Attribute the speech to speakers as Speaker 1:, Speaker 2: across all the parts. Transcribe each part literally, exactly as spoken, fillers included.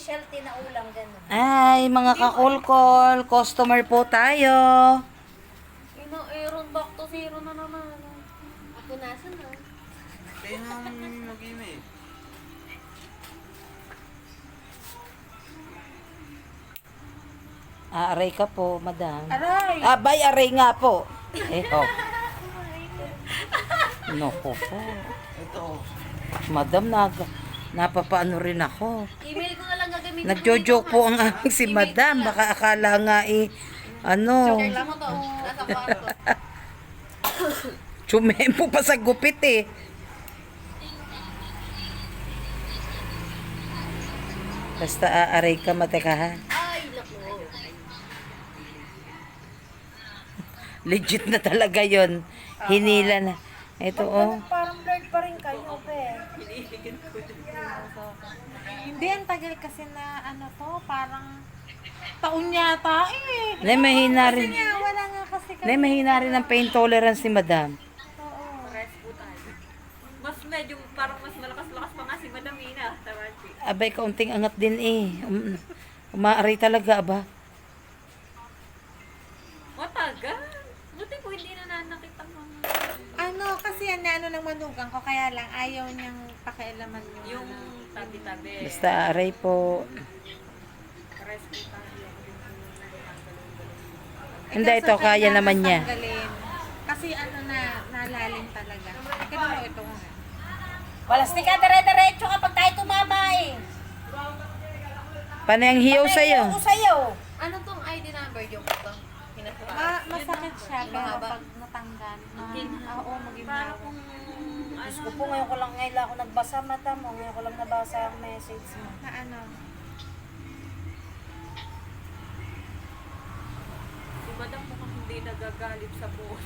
Speaker 1: specialty na ulam, gano'n.
Speaker 2: Ay, mga kakulkol, customer po tayo.
Speaker 3: Ina, Aaron, back to zero na naman.
Speaker 1: Ako nasan na?
Speaker 4: Kaya namin mag-ina eh.
Speaker 2: Ah, aray ka po, madam.
Speaker 1: Aray!
Speaker 2: Abay, aray nga po. Eh, oh. Noko po.
Speaker 4: Ito.
Speaker 2: Madam, nag, napapaano rin ako.
Speaker 1: Email ko na lang gagamitin.
Speaker 2: Nagjo-joke po ang aming si madam. Baka akala nga eh, ano,
Speaker 1: Alam mo to, nasa kwarto.
Speaker 2: tsumempo pa sa gupit eh. Basta aaray ka, mateka ha.
Speaker 1: Ay, lako.
Speaker 2: Legit na talaga yon. Hinila na. Ito oh.
Speaker 1: Parang blurred pa rin kayo, pe.
Speaker 3: Hindi, ang tagal kasi na ano to, parang taon yata eh.
Speaker 2: Nay, mahina rin.
Speaker 3: Kaya wala nga kasi kami.
Speaker 2: Nay, mahina rin ang pain tolerance ni madam.
Speaker 3: Rest po tayo. Mas medyo parang mas malakas-lakas pa nga si Madam Ina. Tawachi.
Speaker 2: Abay, kaunting angat din eh. Um, umaaray talaga, aba.
Speaker 3: Matagal. Buti po hindi na nakita mga...
Speaker 5: Ano, kasi yan na ano ng manugang ko, kaya lang ayaw niyang pakialaman yung,
Speaker 3: Yung tabi-tabi.
Speaker 2: Basta aaray po.
Speaker 3: Rest po tayo.
Speaker 2: Hindi, ito, kaya naman niya.
Speaker 5: Tanggalin. Kasi ano na, nalalim talaga. Kaya mo ito nga.
Speaker 1: Walastik ka, dire-diretso kapag tayo tumama eh.
Speaker 2: Paano yung hiyaw sa'yo?
Speaker 1: Ako sa'yo.
Speaker 3: Ano tong I D number yung ito?
Speaker 5: Ma masakit siya, pero
Speaker 3: Mahaba.
Speaker 5: pag natanggal, ma
Speaker 3: Ginhawa.
Speaker 5: oo, maging
Speaker 3: Para
Speaker 5: mahaba.
Speaker 3: kung...
Speaker 1: Diyos ko po, ngayon ko lang, ngayon lang ako nagbasa mata mo. Ngayon ko lang nabasa ang message mo.
Speaker 5: Na ano,
Speaker 3: Si Madam mukhang hindi nagagalit sa buhay.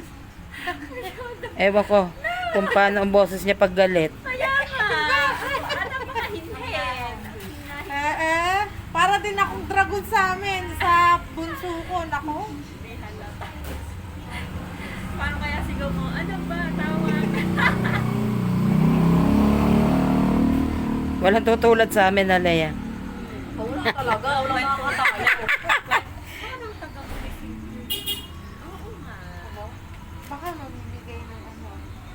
Speaker 2: Ewan ko kung paano ang boses niya pag galit.
Speaker 3: Kaya nga! Ano ba hinhin?
Speaker 5: eh, eh, para din akong dragon sa amin, sa bunso ko, nako.
Speaker 3: Paano kaya sigaw mo? Ano ba? Tawag?
Speaker 2: Walang tutulad sa amin, Alea.
Speaker 1: Wala talaga, wala makakatayo.
Speaker 3: Paano taga munisipyo? Oo nga.
Speaker 5: Baka mamimigay ng ano.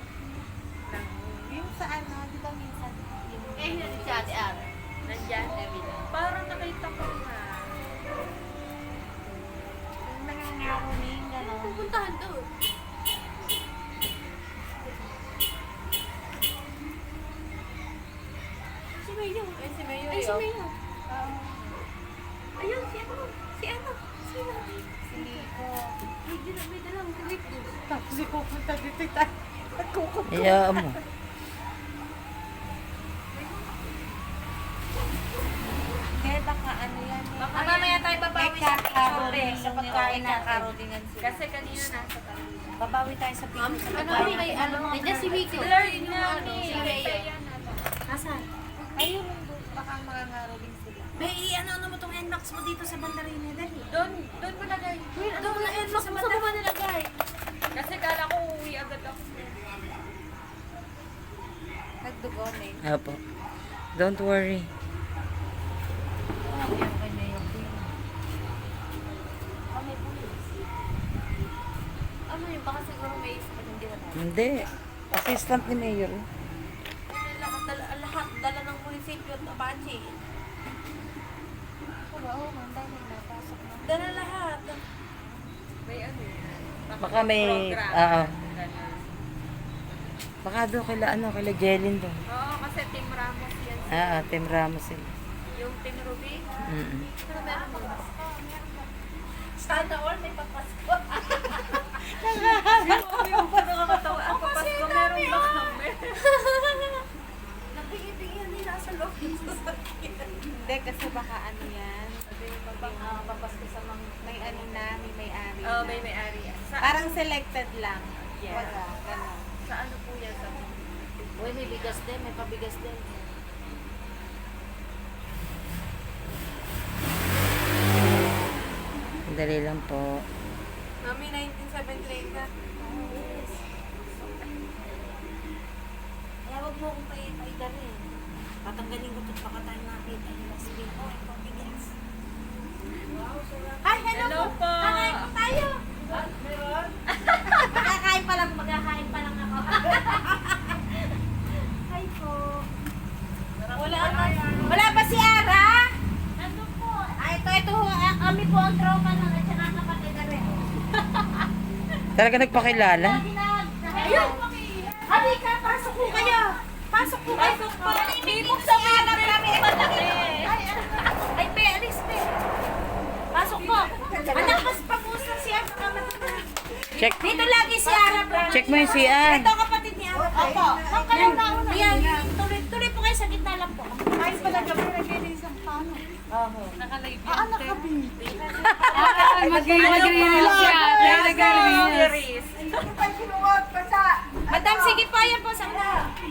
Speaker 5: Yung sa ano, di ba minsan, yung...
Speaker 1: Eh, hindi si Ate Ar.
Speaker 3: Nandyan? Parang nakita ko nga.
Speaker 5: Yung nangangaroning, gano'n.
Speaker 1: Pupuntahan doon. Si Mayo. Eh, si Mayo. Ay, si Mayo. Ayun, si ano? Si ano? Si ano?
Speaker 5: Si Nico.
Speaker 1: Ay, di na, may dalang kulit ko.
Speaker 5: Tapos ipupunta dito tayo. Nagkukup.
Speaker 2: Hayaan mo.
Speaker 5: Kaya baka ano yan eh.
Speaker 1: Ah, mamaya tayo babawi sa picture sa pagkain natin.
Speaker 5: Nakarolingan sila.
Speaker 3: Kasi kanina nasa tabi.
Speaker 1: Babawi tayo sa picture sa
Speaker 3: Ano
Speaker 1: pagkain.
Speaker 3: may ano?
Speaker 1: Nandiyan si Vicky.
Speaker 3: Blurred na
Speaker 1: ano,
Speaker 3: ni.
Speaker 1: si Mayo. Nasaan?
Speaker 5: Ayun, baka mga ngaroling sila.
Speaker 1: May ano-ano mo tong N-Max mo dito sa bandarina, dali.
Speaker 3: Doon, doon mo lagay.
Speaker 1: Ano mo na N-Max mo sa baba nilagay?
Speaker 3: Kasi kala ko uwi agad ako.
Speaker 5: Nagdugo na eh.
Speaker 2: Apo. Don't worry.
Speaker 1: Ano yun? Baka siguro may isa pa hindi na tayo.
Speaker 2: Hindi. Assistant ni Mayor.
Speaker 1: Lahat, dala, lahat, dala ng munisipyo at Apache.
Speaker 5: Oo, oh, manday may napasok na.
Speaker 1: Dala lahat.
Speaker 3: May ano yan.
Speaker 2: Baka may,
Speaker 3: program.
Speaker 2: oo.
Speaker 3: Ganun.
Speaker 2: Baka doon kila, ano, kila Jelin doon.
Speaker 3: Oo, kasi Team Ramos yan.
Speaker 2: Ah, ah, Team Ramos sila.
Speaker 3: Yung Team Ruby.
Speaker 2: Mm-mm.
Speaker 1: Pero meron mo. Sana all may papasko.
Speaker 3: Yung nakakatawa. Ang papasko, meron ba kami?
Speaker 1: Nabigyan nila sa loob ng sasakyan.
Speaker 5: Hindi, kasi baka ano yan.
Speaker 1: Sabi mo ba bang uh, papasko sa mga...
Speaker 5: May ano na, may may-ari
Speaker 3: Oo,
Speaker 5: na.
Speaker 3: may may-ari. Sa,
Speaker 5: Parang selected lang.
Speaker 3: Yeah.
Speaker 5: Wala, gano'n.
Speaker 3: sa ano po yan? Sa
Speaker 1: Uy, may bigas din, may pabigas din.
Speaker 2: Dali lang po.
Speaker 5: Mami, nineteen seventy-eight na.
Speaker 1: Kaya wag mo akong paiday rin. Tatanggalin ko ito baka tayo nakita yung mas po ang tropa nun at saka kapatid na rin.
Speaker 2: Talaga nagpakilala?
Speaker 1: Ayun! Halika, pasok po kayo! Pasok po kayo!
Speaker 3: Pasok po. Hindi mo sa hanap namin.
Speaker 1: Ay, pe, alis, pe. Pasok po. Anak, mas pag-usap si Ara.
Speaker 2: Check.
Speaker 1: Dito lagi si Ara.
Speaker 2: Check mo yung si Ann.
Speaker 1: Ito kapatid ni Ara. Opo. Ma'am, kayo na una. Ayan, tuloy, tuloy po kayo sa gitna lang po.
Speaker 5: Ayos pala gabi, naglinis ang pano.
Speaker 3: Nakalive
Speaker 5: Ah, nakabili.
Speaker 3: Mag-i-relax siya. Nag-i-relax.
Speaker 1: Madam, sige pa yan po sa una.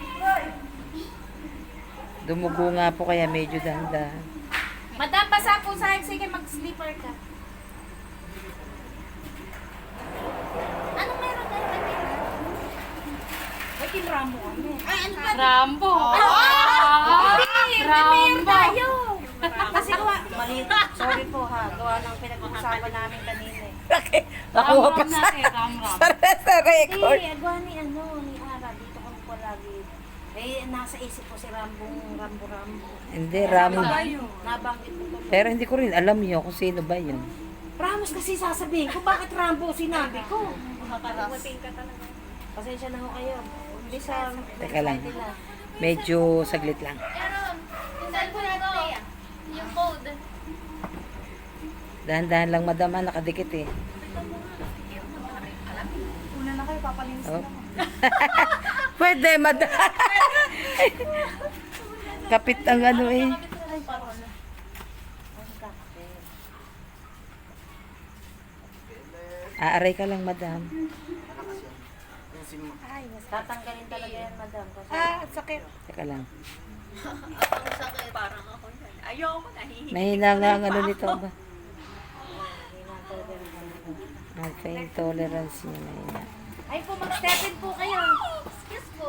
Speaker 2: Dumugo nga po kaya medyo dahan-dahan.
Speaker 1: Madam, basa po sa akin. Sige, mag-sleeper ka. Anong meron kayo kanina? May kinramo kami. Ay, ano ba?
Speaker 3: Rambo.
Speaker 1: Ah! Hindi,
Speaker 3: Rambo.
Speaker 1: tayo. Kasi gawa, mali, sorry po ha, gawa ng pinag-uusapan namin kanina eh.
Speaker 2: Okay. Nakuha pa sa, sa, sa record.
Speaker 1: Hindi, gawa ni ano, ni Ara, dito kami po lagi. Eh, nasa isip ko si Rambong, Rambo, Rambo.
Speaker 2: Hindi, Ramos.
Speaker 1: Nabanggit ko to.
Speaker 2: Pero hindi ko rin alam yun kung sino ba yun.
Speaker 1: Ramos kasi sasabihin ko, bakit Rambo sinabi ko?
Speaker 3: Makalasing ka talaga.
Speaker 1: Pasensya na ho kayo. Hindi sa...
Speaker 2: Teka lang. Medyo saglit lang.
Speaker 3: Yung cellphone ko. Yung code.
Speaker 2: Dahan-dahan lang madam, ha, nakadikit eh.
Speaker 5: Una na kayo, papalinis
Speaker 2: Oh.
Speaker 5: na.
Speaker 2: Pwede, madam. Kapit ang ano eh. Aaray ka lang, madam.
Speaker 4: Yung si Ma-
Speaker 1: Tatanggalin talaga yan, madam. Kasi
Speaker 5: Ah, sakit.
Speaker 2: Teka lang.
Speaker 3: Ang sakit. Parang ako. Ayoko, nahihinig.
Speaker 2: Mahina nga ang ano nito ba?
Speaker 1: hindi na talaga yung ano.
Speaker 2: Ang pain tolerance niya na yun.
Speaker 1: Ay po, mag-step-in po kayo. Excuse po.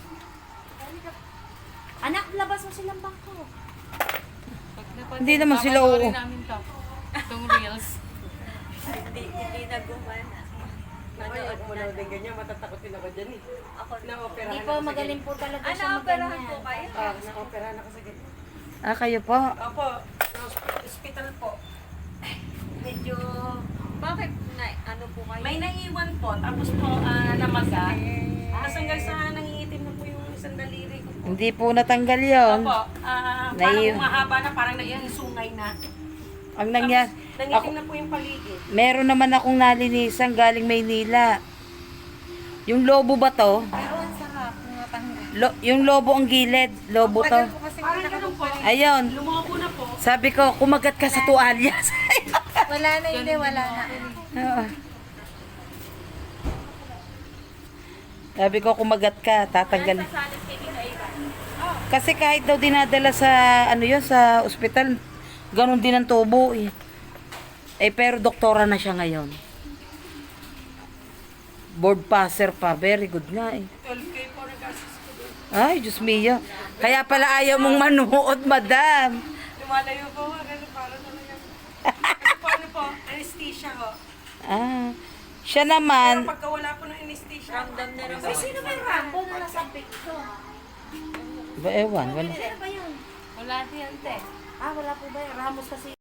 Speaker 1: Anak, labas mo silang bangko.
Speaker 2: Hindi naman sila oo.
Speaker 3: namin to. Itong reels. Hindi, hindi na gumana. Nanood mo na din ganyan, matatakot din ako dyan eh. Ako na
Speaker 1: Hindi po, magaling po talaga
Speaker 3: Ah,
Speaker 1: siya
Speaker 3: naoperahan
Speaker 1: magganyan.
Speaker 3: po kayo?
Speaker 6: Ah, na-operahan ako sa ganyan.
Speaker 2: Ah, kayo po?
Speaker 6: Opo, sa hospital po. Medyo
Speaker 3: Bakit na, ano po kayo?
Speaker 6: may naiwan po, tapos po ah, namaga. Tapos hanggang sa nangingitim na po yung isang daliri ko po.
Speaker 2: Hindi po natanggal yun.
Speaker 6: Opo, ah,
Speaker 2: Nai-
Speaker 6: parang umahaba na, parang naging sungay na.
Speaker 2: Ang nangyari,
Speaker 6: Nangitim
Speaker 2: ako,
Speaker 6: na po yung paligid.
Speaker 2: meron naman akong nalinisan galing Maynila. Yung lobo ba to?
Speaker 5: Pero ang sarap, natanggal.
Speaker 2: Lo, yung lobo ang gilid. Lobo to.
Speaker 5: Tagal ko kasi
Speaker 6: Parang ganun po.
Speaker 2: Ayun.
Speaker 6: Lumoko na po.
Speaker 2: Sabi ko, kumagat ka sa tuwalya.
Speaker 5: wala na, hindi, wala na.
Speaker 2: Oo. Sabi ko, kumagat ka, tatanggal.
Speaker 3: Sasalit kay Tita Eva.
Speaker 2: Kasi kahit daw dinadala sa, ano yun, sa ospital, ganun din ang tubo eh. Eh, pero doktora na siya ngayon. Board passer pa. Very good nga eh.
Speaker 6: twelve K po nag-assist ko doon.
Speaker 2: Ay, Diyos mio. Kaya pala ayaw mong manuot, madam.
Speaker 6: Lumalayo po ako, ganun parang ano yan. Kasi po ano po, anesthesia ho.
Speaker 2: Ah, siya
Speaker 6: Pero
Speaker 2: naman,
Speaker 6: pagka wala po ng anesthesia,
Speaker 3: Ramdam na rin.
Speaker 1: Ay, sino ba yung Rambo na nasa picture?
Speaker 2: ba, ewan, wala.
Speaker 1: Sino ba yun?
Speaker 3: Wala siyan, te.
Speaker 1: Ah, wala po ba yun? Ramos kasi